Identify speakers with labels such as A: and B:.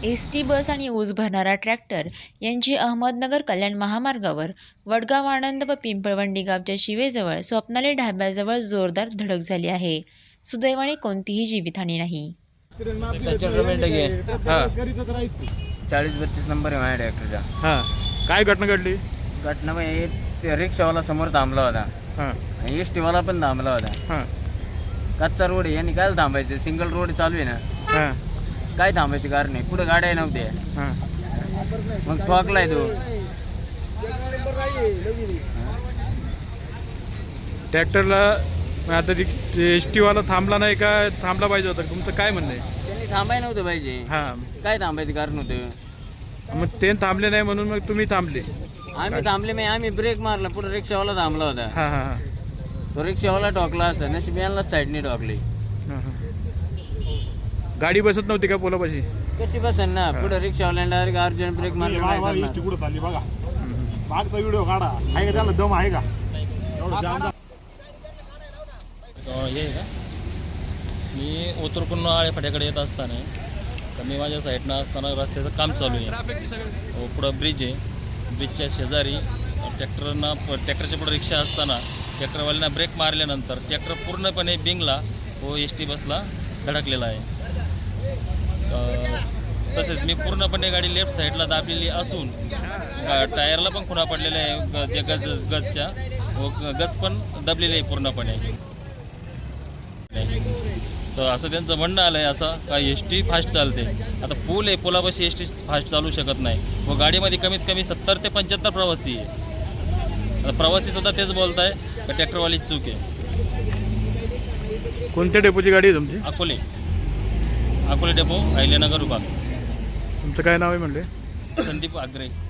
A: ST बस आणि ऊस भरणारा tractor यांची अहमदनगर कल्याण महामार्गावर वडगाव आनंद व पिंपळवंडी गावच्या शिवेजवळ स्वप्नाली ढाब्याजवळ जोरदार धडक झाली आहे. सुदैवाने कोणतीही जीवितहानी नाही.
B: सचिन रमेश डगे
C: हा
B: 40-32 नंबर आहे माझ्या ट्रॅक्टरचा.
C: हा काय घटना घडली?
B: घटना म्हणजे रिक्षावाला समोर थांबला होता
C: हा
B: आणि एस टीवाला पण थांबला होता.
C: हा
B: कच्चा रोड आहे यांनी काय थांबायचं, सिंगल रोड चालू आहे ना,
C: हा
B: काय थांबायचं कारण नाही, पुढे गाड्या नव्हत्या.
C: हा
B: मग ठोकलाय तो.
C: ट्रॅक्टरला आता एस टीवाला थांबला नाही का थांबला पाहिजे होता? तुमचं काय म्हणणं आहे?
B: त्यांनी थांबाय नव्हतं पाहिजे.
C: हा
B: काय थांबायचं कारण होतं?
C: मग ते थांबले नाही म्हणून मग तुम्ही थांबले?
B: आम्ही थांबले नाही, आम्ही ब्रेक मारला, पुढे रिक्षावाला थांबला होता.
C: हा हा हा
B: तो रिक्षावाला ठोकला असता, नशीब यांनाच साईडने ठोकली.
C: हा. गाडी बसत नव्हती का पोलापाशी?
B: कशी बसन ना, पुढे रिक्षावाल्याने डायरेक्ट अर्जंट ब्रेक मारला. काय करणार?
D: कुठं चालली बघा, मागचा व्हिडिओ काढा. आहे का त्याला दम आहे का?
E: हे आहे का, मी ओतूरकडून आळेफाट्याकडे येत असताना तर मी माझ्या साईडनं असताना रस्त्याचं काम चालू आहे. पुढं ब्रिज आहे, ब्रिजच्या शेजारी ट्रॅक्टरच्या पुढं रिक्षा असताना ट्रॅक्टरवाल्यांना ब्रेक मारल्यानंतर ट्रॅक्टर पूर्णपणे बिंगला व एस टी बसला धडकलेला आहे. तसेच मी पूर्णपणे गाडी लेफ्ट साईडला दाबलेली असून टायरला पण खुणा पडलेला आहे, जे गजच्या व गज पण दबलेली आहे पूर्णपणे. तर असं त्यांचं म्हणणं आलं आहे असं का एस टी फास्ट चालते. आता पूल आहे, पुलापाशी एस टी फास्ट चालू शकत नाही व गाडीमध्ये कमीत कमी 70 ते 75 प्रवासी आहे. आता प्रवासीसुद्धा तेच बोलत आहे का ट्रॅक्टरवाली चूक आहे.
C: कोणत्या डेपोची गाडी आहे तुमची?
E: अकोले डेपो अहिल्यानगर विभाग.
C: तुमचं काय नाव आहे म्हणले?
E: संदीप आग्रे.